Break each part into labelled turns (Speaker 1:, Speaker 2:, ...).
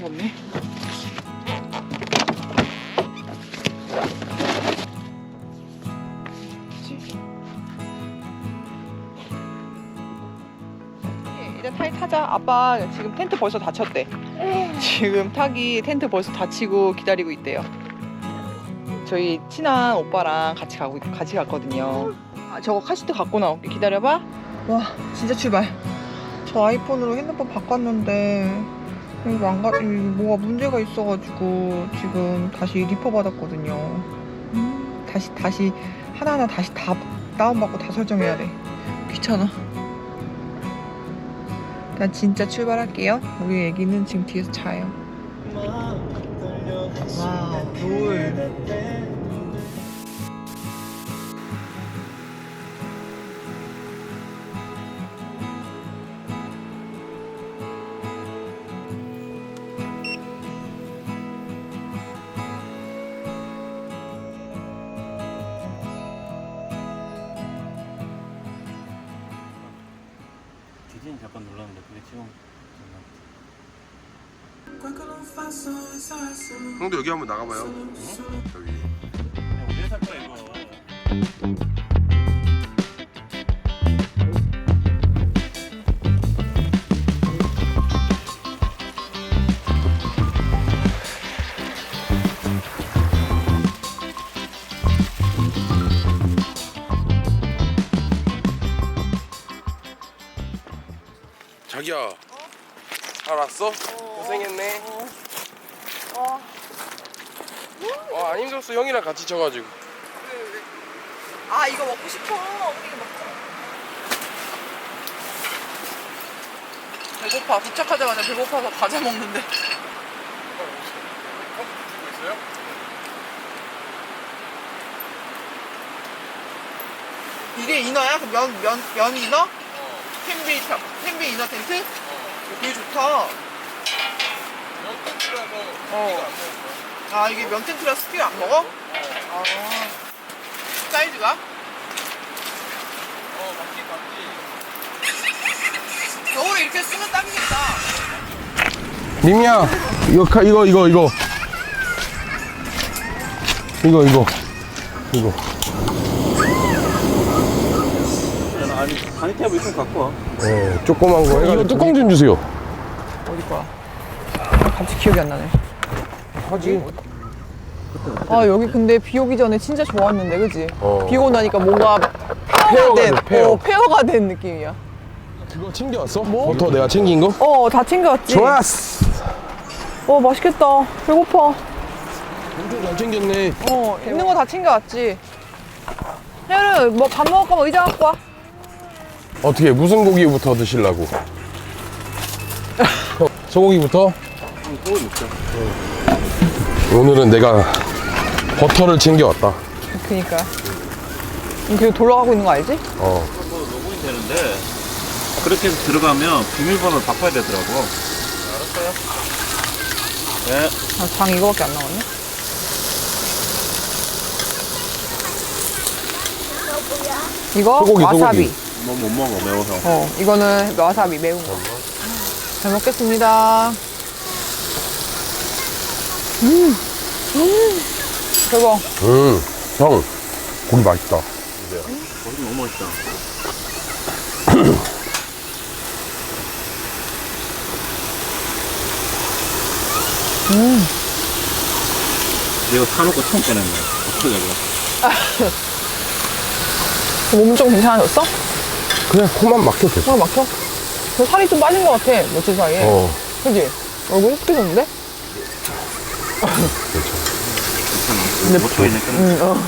Speaker 1: 무섭네. 일단 타자. 아빠 지금 텐트 벌써 닫혔대. 지금 타기 텐트 벌써 닫히고 기다리고 있대요. 저희 친한 오빠랑 같이 갔거든요. 아, 저거 카시트 갖고 나올게. 기다려봐. 와, 진짜 출발. 저 아이폰으로 핸드폰 바꿨는데 이거 뭐가 문제가 있어가지고 지금 다시 리퍼 받았거든요. 다시 하나하나 다시 다 다운받고 다 설정해야 돼. 귀찮아. 일단 진짜 출발할게요. 우리 애기는 지금 뒤에서 자요. 와우, 롤.
Speaker 2: 디즈니 잠깐 눌렀는데 그게 지금
Speaker 3: 형도 여기 한번 나가봐요. 여기.
Speaker 2: 그냥 왜 살 거야 이거.
Speaker 3: 자기야. 알았어? 고생했네. 안 힘들었어. 형이랑 같이 쳐가지고.
Speaker 1: 왜? 아, 이거 먹고 싶어. 우리 이거 먹자. 배고파. 도착하자마자 배고파서 과자 먹는데.
Speaker 3: 주고 있어요?
Speaker 1: 이게 이너야? 그 면 이너? 텐비 이너 텐트? 되게 좋다.
Speaker 3: 면 텐트라서
Speaker 1: 어.
Speaker 3: 고기가 안 먹었어.
Speaker 1: 아, 이게 면 텐트라 스킬 안 먹어? 아. 사이즈가?
Speaker 3: 맞지.
Speaker 1: 겨울에 이렇게 쓰면 딱이겠다.
Speaker 3: 님이야. 이거.
Speaker 2: 아니 바니테이블 있으면 갖고 와.
Speaker 3: 네, 조그만 거 해가지고. 이거 뚜껑 좀 주세요.
Speaker 1: 어디 거야? 갑자기 기억이 안 나네.
Speaker 3: 하지.
Speaker 1: 아, 여기 근데 비 오기 전에 진짜 좋았는데, 그지? 비 오고 나니까 뭔가 페어가 된 느낌이야.
Speaker 3: 그거 챙겨왔어? 뭐? 버터 내가 챙긴 거?
Speaker 1: 다 챙겨왔지?
Speaker 3: 좋았어.
Speaker 1: 맛있겠다. 배고파.
Speaker 3: 엄청 잘 챙겼네.
Speaker 1: 있는 거 다 챙겨왔지. 혜연은 뭐 밥 먹을까 봐 의자 갖고 와.
Speaker 3: 어떻게 무슨 고기부터 드시려고? 소고기부터?
Speaker 2: 소고기 먹자.
Speaker 3: 오늘은 내가 버터를 챙겨왔다.
Speaker 1: 그니까. 그리고 돌아가고 있는 거 알지?
Speaker 2: 뭐 로그인 되는데 그렇게 해서 들어가면 비밀번호를 바꿔야 되더라고. 알았어요. 네.
Speaker 1: 장 이거밖에 안 나왔네. 이거
Speaker 3: 소고기,
Speaker 1: 와사비.
Speaker 2: 뭐 못 먹어 매워서.
Speaker 1: 이거는 와사비 매운 거. 잘 먹겠습니다. 대박.
Speaker 3: 형, 고기 맛있다.
Speaker 2: 거기 너무 맛있다. 내가 사놓고 처음 꺼낸 거야. 어떻게 이거?
Speaker 1: 몸은 좀 괜찮아졌어?
Speaker 3: 그냥 코만 막혀 계속.
Speaker 1: 어, 막혀? 저 살이 좀 빠진 것 같아, 며칠 사이에. 그지? 얼굴 흡해졌는데?
Speaker 2: 근데 못 보이니까.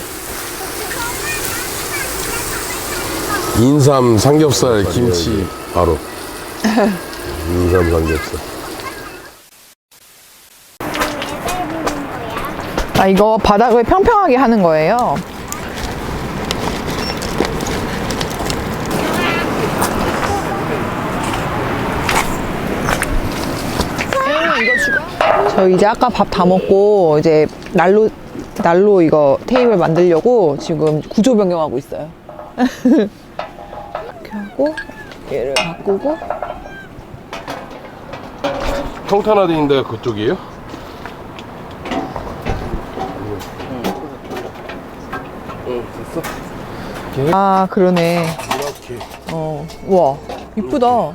Speaker 3: 인삼 삼겹살 김치 바로. 인삼 삼겹살.
Speaker 1: 아, 이거 바닥을 평평하게 하는 거예요. 저 이제 아까 밥 다 먹고 이제 난로 이거 테이블 만들려고 지금 구조 변경하고 있어요. 이렇게 하고 얘를 바꾸고
Speaker 3: 평탄화돼 있는 데가 그쪽이에요? 됐어.
Speaker 1: 아, 그러네.
Speaker 3: 이렇게.
Speaker 1: 우와, 이쁘다.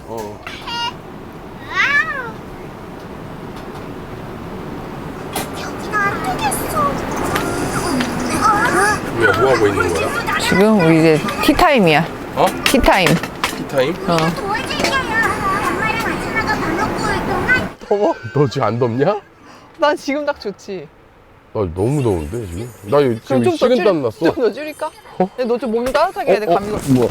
Speaker 3: 왜, 뭐 하고 있는 거야?
Speaker 1: 지금 우리 이제 티타임이야.
Speaker 3: 어?
Speaker 1: 티타임.
Speaker 3: 티타임?
Speaker 1: 더워?
Speaker 3: 너 지금 안 덥냐?
Speaker 1: 난 지금 딱 좋지.
Speaker 3: 나 너무 더운데 지금? 나 지금
Speaker 1: 그럼 좀
Speaker 3: 식은땀 났어.
Speaker 1: 좀 더 줄일까? 너 좀 몸 좀 따뜻하게 해야 돼, 감기 걸.
Speaker 3: 뭐?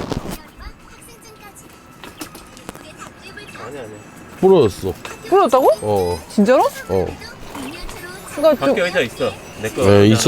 Speaker 3: 부러졌어.
Speaker 1: 부러졌다고?
Speaker 3: 어.
Speaker 1: 진짜로?
Speaker 3: 어.
Speaker 1: 그니까 좀,
Speaker 2: 밖에 의자 있어. 내 거.
Speaker 3: 네, 있어.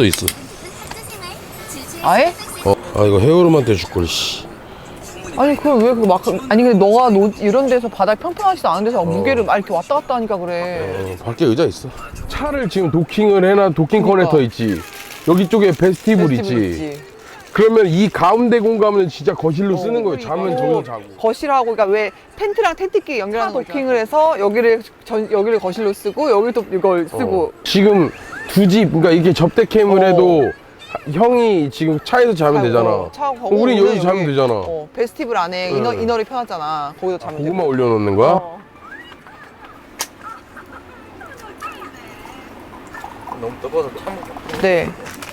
Speaker 1: 아예?
Speaker 3: 아 이거 헤어룸한테 줄걸 씨.
Speaker 1: 아니, 그걸 왜 그 막, 아니, 근데 너가 이런 데서 바닥 평평하지도 않은 데서 무게를 막 이렇게 왔다 갔다 하니까 그래.
Speaker 3: 밖에 의자 있어. 차를 지금 도킹을 해놔. 도킹
Speaker 1: 그러니까.
Speaker 3: 커넥터 있지. 여기 쪽에 베스티블 있지. 그러면 이 가운데 공간은 진짜 거실로 쓰는 거예요. 자면 저기서 자고.
Speaker 1: 거실하고, 그러니까 왜 텐트랑 텐트끼리 연결하는 도킹을 해서 여기를 거실로 쓰고, 여기 또 이걸 쓰고.
Speaker 3: 지금 두 집, 그러니까 이렇게 접대캠을 해도 형이 지금 차에서 자면 되잖아. 우리 여기 자면 되잖아.
Speaker 1: 베스티블 안에 이너리 펴놨잖아. 거기서 자면 되고.
Speaker 3: 고구마 올려놓는 거야?
Speaker 2: 너무 뜨거워서 참.
Speaker 1: 네.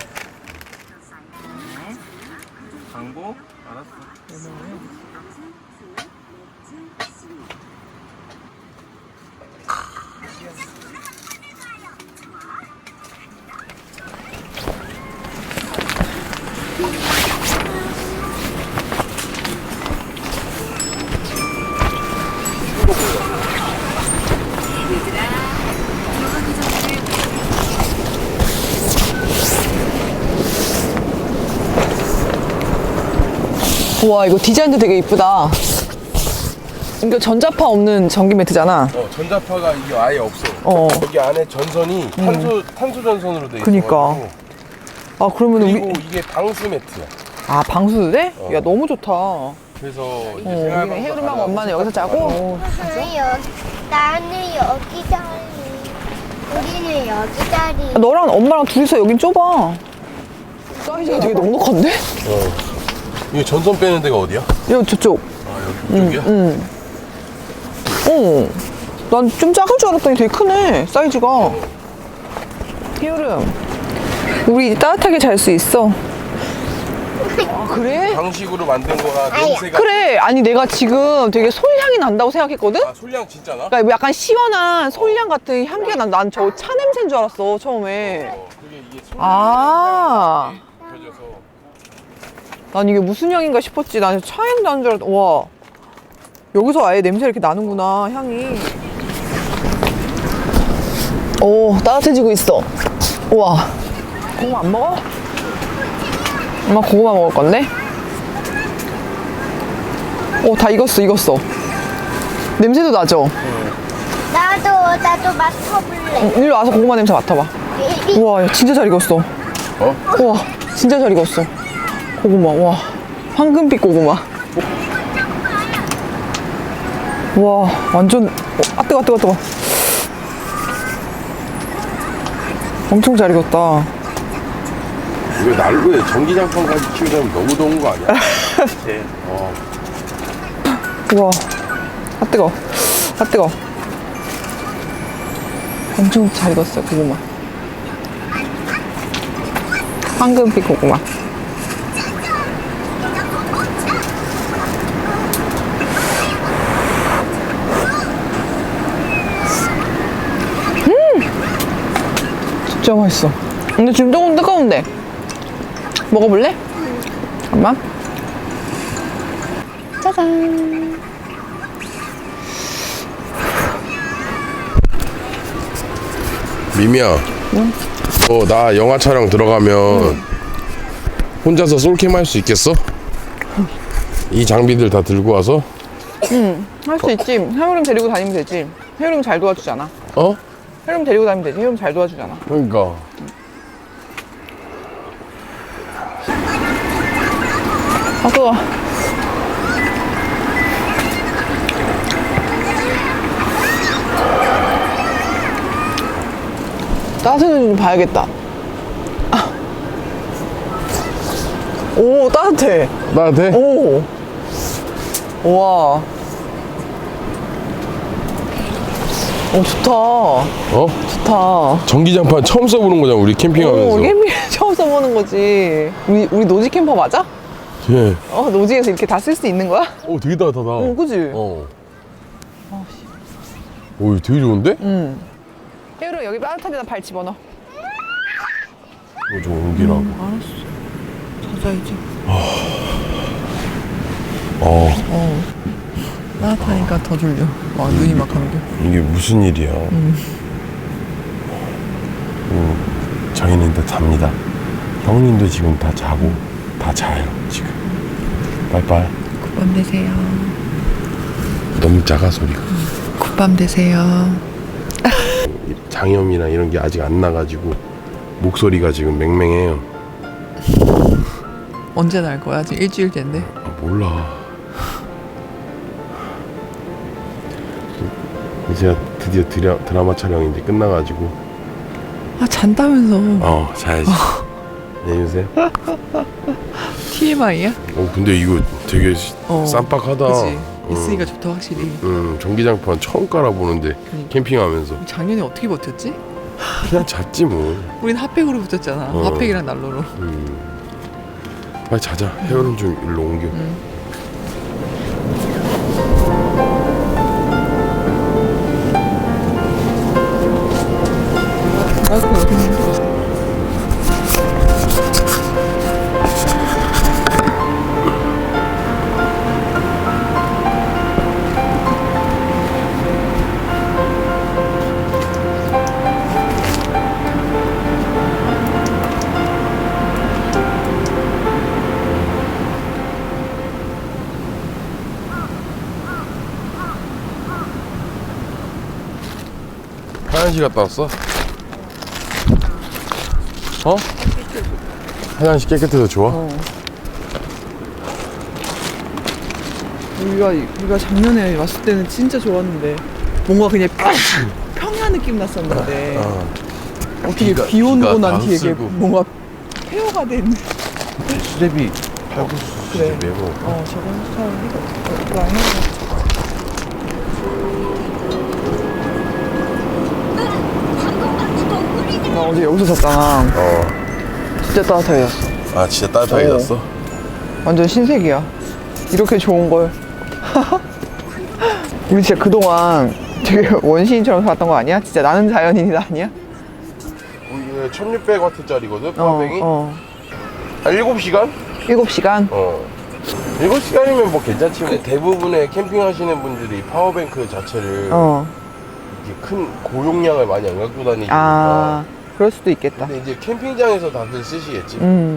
Speaker 2: 장보? 알았어.
Speaker 1: 우와, 이거 디자인도 되게 이쁘다. 이거 전자파 없는 전기 매트잖아.
Speaker 3: 전자파가 이게 아예 없어. 여기 안에 전선이 탄소 전선으로 돼 있어.
Speaker 1: 그니까. 아, 그러면
Speaker 3: 그리고 이게 방수 매트야.
Speaker 1: 아, 방수도 돼? 야, 너무 좋다.
Speaker 3: 그래서 이제
Speaker 1: 우리는
Speaker 3: 생활방석
Speaker 1: 헤어룸하고
Speaker 3: 하나
Speaker 1: 엄마는 여기서 자고.
Speaker 4: 나는 여기 자리. 우리는 여기 자리.
Speaker 1: 너랑 엄마랑 둘이서 여긴 좁아. 사이즈가 되게 넉넉한데?
Speaker 3: 이게 전선 빼는 데가 어디야?
Speaker 1: 여기 저쪽.
Speaker 3: 아 여기 이쪽이야?
Speaker 1: 난 좀 작은 줄 알았더니 되게 크네, 사이즈가. 여름, 우리 이제 따뜻하게 잘 수 있어. 아, 그래?
Speaker 3: 방식으로 만든 거가 냄새가.
Speaker 1: 그래. 아니, 내가 지금 되게 솔향이 난다고 생각했거든?
Speaker 3: 아 솔량 진짜 나?
Speaker 1: 그러니까 약간 시원한 솔향 같은 향기가 난 저 차 냄새인 줄 알았어, 처음에.
Speaker 3: 그게 이게
Speaker 1: 아,
Speaker 3: 펴져서.
Speaker 1: 난 이게 무슨 향인가 싶었지. 난 차 향 나는 줄 알았다. 와, 여기서 아예 냄새 이렇게 나는구나, 향이. 오, 따뜻해지고 있어. 우와. 고구마 안 먹어? 엄마 고구마 먹을 건데? 오, 다 익었어. 냄새도 나죠?
Speaker 4: 나도 맡아볼래.
Speaker 1: 일로 와서 고구마 냄새 맡아봐. 우와, 야, 진짜 잘 익었어. 우와, 진짜 잘 익었어. 고구마, 와. 황금빛 고구마. 와, 완전, 아, 뜨거. 엄청 잘 익었다.
Speaker 3: 왜 난로에 전기장판까지 키우자면 너무 더운 거 아니야?
Speaker 2: 네.
Speaker 1: 우와, 아, 뜨거. 엄청 잘 익었어요, 고구마. 황금빛 고구마. 진짜 맛있어. 근데 지금 조금 뜨거운데. 먹어볼래? 잠깐만. 짜잔.
Speaker 3: 미미야.
Speaker 1: 응?
Speaker 3: 나 영화 촬영 들어가면 혼자서 솔캠 할 수 있겠어? 이 장비들 다 들고 와서?
Speaker 1: 할 수 있지. 해오름 데리고 다니면 되지. 해오름 잘 도와주잖아.
Speaker 3: 어?
Speaker 1: 해오름 데리고 다니면 되지. 해오름 잘 도와주잖아.
Speaker 3: 그러니까.
Speaker 1: 아, 뜨거워. 따뜻한지 좀 봐야겠다. 오, 따뜻해.
Speaker 3: 나한테?
Speaker 1: 오. 우와. 오, 좋다.
Speaker 3: 어?
Speaker 1: 좋다.
Speaker 3: 전기장판 처음 써보는 거잖아, 우리 캠핑하면서.
Speaker 1: 오, 캠핑 처음 써보는 거지. 우리 노지 캠퍼 맞아?
Speaker 3: 예.
Speaker 1: 노지에서 이렇게 다 쓸 수 있는 거야?
Speaker 3: 오, 되게 따뜻하다.
Speaker 1: 그지?
Speaker 3: 어. 오, 되게 좋은데?
Speaker 1: 응. 혜율아, 여기 따뜻한 데다 발 집어넣어.
Speaker 3: 이거 좀 옮기라고.
Speaker 1: 알았어. 자자이지. 따뜻하니까 더 졸려. 와, 눈이 막 감겨.
Speaker 3: 이게 무슨 일이야. 저희는 다 잡니다. 형님도 지금 다 자고 다 자요 지금. 빠이빠이.
Speaker 1: 굿밤 되세요.
Speaker 3: 너무 작아 소리가.
Speaker 1: 굿밤 되세요.
Speaker 3: 장염이나 이런 게 아직 안 나가지고 목소리가 지금 맹맹해요.
Speaker 1: 언제 날 거야? 지금 일주일 됐네.
Speaker 3: 몰라. 이제 드디어 드라마 촬영이 이제 끝나가지고
Speaker 1: 잔다면서.
Speaker 3: 자야지. 안녕히 계세요.
Speaker 1: TMI야?
Speaker 3: 근데 이거 되게 쌈박하다.
Speaker 1: 그치? 있으니까 좋다 확실히.
Speaker 3: 전기장판 처음 깔아보는데 캠핑하면서
Speaker 1: 작년에 어떻게 버텼지?
Speaker 3: 그냥 잤지 뭐.
Speaker 1: 우린 핫팩으로 붙였잖아. 핫팩이랑 난로로.
Speaker 3: 빨리 자자. 헤어는 좀 일로 옮겨. 화장실 갔다 왔어? 화장실 깨끗해서 좋아?
Speaker 1: 우리가 작년에 왔을 때는 진짜 좋았는데 뭔가 그냥 평야 느낌 났었는데 어떻게 비 오고 난 뒤에 이게 뭔가 폐허가 된.
Speaker 3: 수제비 팔국수
Speaker 1: 그래.
Speaker 3: 수제비 해고.
Speaker 1: 저건 잘 라인 해. 나 어제 여기서 잤잖아. 진짜 따뜻해졌어.
Speaker 3: 진짜 따뜻해졌어?
Speaker 1: 완전 신세계야. 이렇게 좋은 걸. 우리 진짜 그동안 되게 원시인처럼 살았던 거 아니야? 진짜 나는 자연인이다 아니야?
Speaker 3: 이게 1600W짜리거든 파워뱅이?
Speaker 1: 한
Speaker 3: 7시간?
Speaker 1: 7시간?
Speaker 3: 7시간이면 뭐 괜찮지. 근데 대부분의 캠핑 하시는 분들이 파워뱅크 자체를 이렇게 큰 고용량을 많이 안 갖고 다니니까.
Speaker 1: 그럴 수도 있겠다.
Speaker 3: 근데 이제 캠핑장에서 다들 쓰시겠지.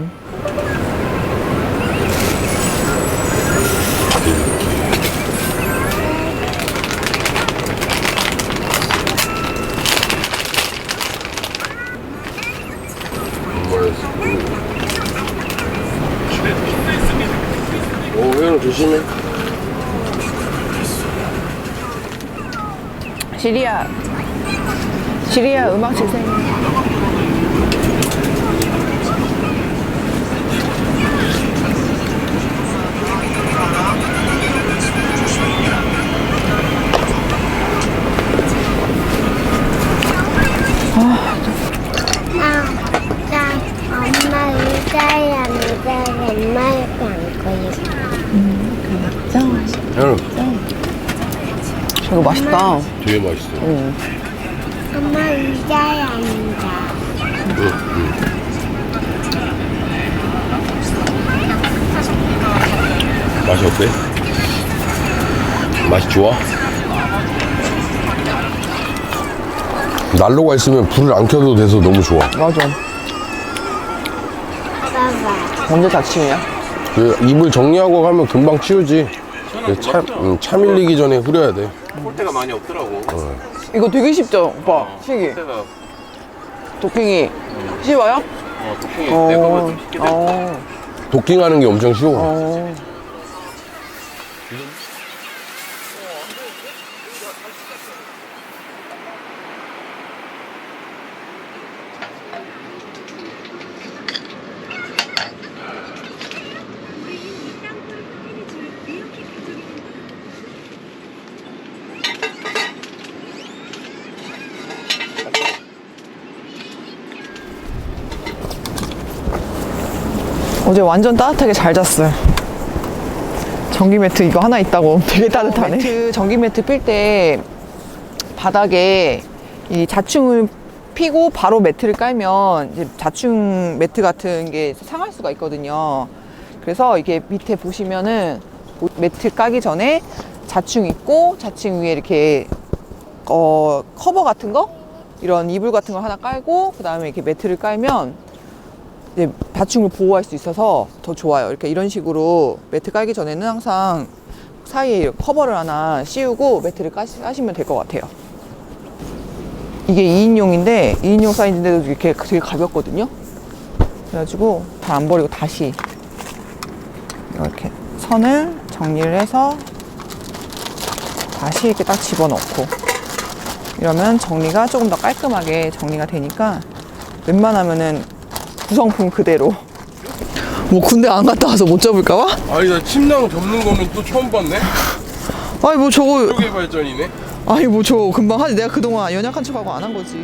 Speaker 3: 회원 조심해.
Speaker 1: 시리야 음악 재생.
Speaker 4: 엄마 의자야 엄마를 안고 있어.
Speaker 3: 회원
Speaker 1: 저거 맛있다.
Speaker 3: 되게 맛있어.
Speaker 4: 엄마 의자에 앉아.
Speaker 3: 맛이 어때? 맛이 좋아? 난로가 있으면 불을 안 켜도 돼서 너무 좋아.
Speaker 1: 맞아.
Speaker 4: 봐봐.
Speaker 1: 언제 다침이야?
Speaker 3: 그 이불 정리하고 가면 금방 치우지. 차 밀리기 전에 흐려야 돼.
Speaker 2: 폴대가 많이 없더라고.
Speaker 1: 이거 되게 쉽죠, 오빠? 시기.
Speaker 2: 폴대가
Speaker 1: 도킹이 쉬워요?
Speaker 2: 도킹이 내 거보다 좀 쉽게 돼.
Speaker 3: 도킹하는 게 엄청 쉬워.
Speaker 1: 어제 완전 따뜻하게 잘 잤어요. 전기 매트 이거 하나 있다고 되게 따뜻하네. 매트, 전기 매트 필 때 바닥에 이 자충을 피고 바로 매트를 깔면 이제 자충 매트 같은 게 상할 수가 있거든요. 그래서 이게 밑에 보시면은 매트 까기 전에 자충 있고 자충 위에 이렇게 커버 같은 거 이런 이불 같은 거 하나 깔고 그 다음에 이렇게 매트를 깔면 이제 자충을 보호할 수 있어서 더 좋아요. 이렇게 이런 식으로 매트 깔기 전에는 항상 사이에 커버를 하나 씌우고 매트를 까시면 될 것 같아요. 이게 2인용인데 2인용 사이즈인데도 이렇게 되게 가볍거든요. 그래가지고 다 안 버리고 다시 이렇게 선을 정리를 해서 다시 이렇게 딱 집어넣고 이러면 정리가 조금 더 깔끔하게 정리가 되니까 웬만하면은 구성품 그대로. 뭐 군대 안 갔다 와서 못 접을까봐?
Speaker 3: 아니 나 침낭 접는 거는 또 처음 봤네.
Speaker 1: 아니 뭐 저거
Speaker 3: 쪽의 발전이네.
Speaker 1: 아니 뭐 저 금방 하지. 내가 그동안 연약한 척하고 안 한 거지.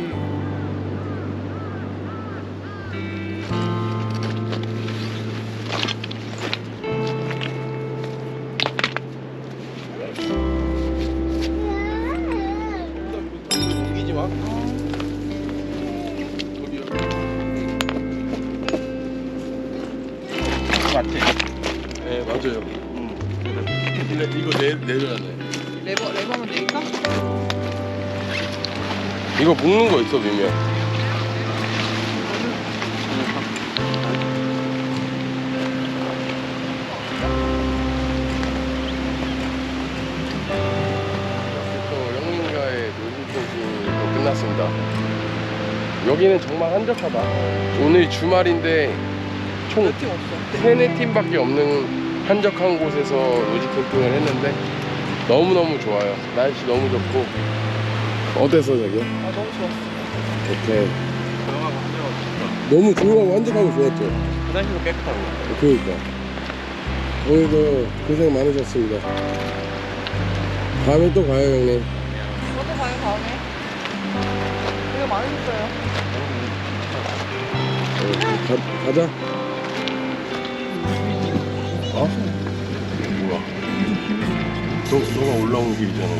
Speaker 3: 옮기지 마.
Speaker 2: 맞지?
Speaker 3: 네 맞아요. 근데 이거 내려야 돼.
Speaker 1: 레버만 내릴까?
Speaker 3: 이거 묶는 거 있어 미면. 영민가의 노진펜싱도 끝났습니다. 여기는 정말 한적하다. 오늘 주말인데 총
Speaker 1: 몇 팀 없어.
Speaker 3: 3-4팀밖에 없는 한적한 곳에서 로지 캠핑을 했는데 너무너무 좋아요. 날씨 너무 좋고. 어땠어 자기야?
Speaker 1: 아 너무 좋았어.
Speaker 3: 오케이. 너무 조용하고 한적하고 좋았죠?
Speaker 2: 화장실도 깨끗하고.
Speaker 3: 그러니까 오늘도 고생 많으셨습니다. 다음에 또 가요 형님.
Speaker 1: 저도 가요 다음에. 되게 많으셨어요.
Speaker 3: 가자. 어? 뭐야? 너가 올라온 길이잖아.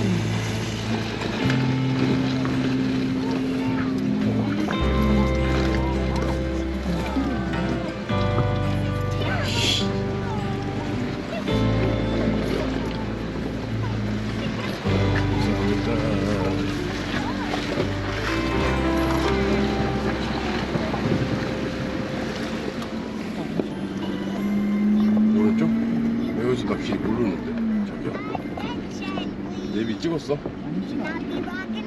Speaker 3: 오른쪽? 여기서 나 길 모르는데 자기야. 내비 찍었어?
Speaker 4: 나비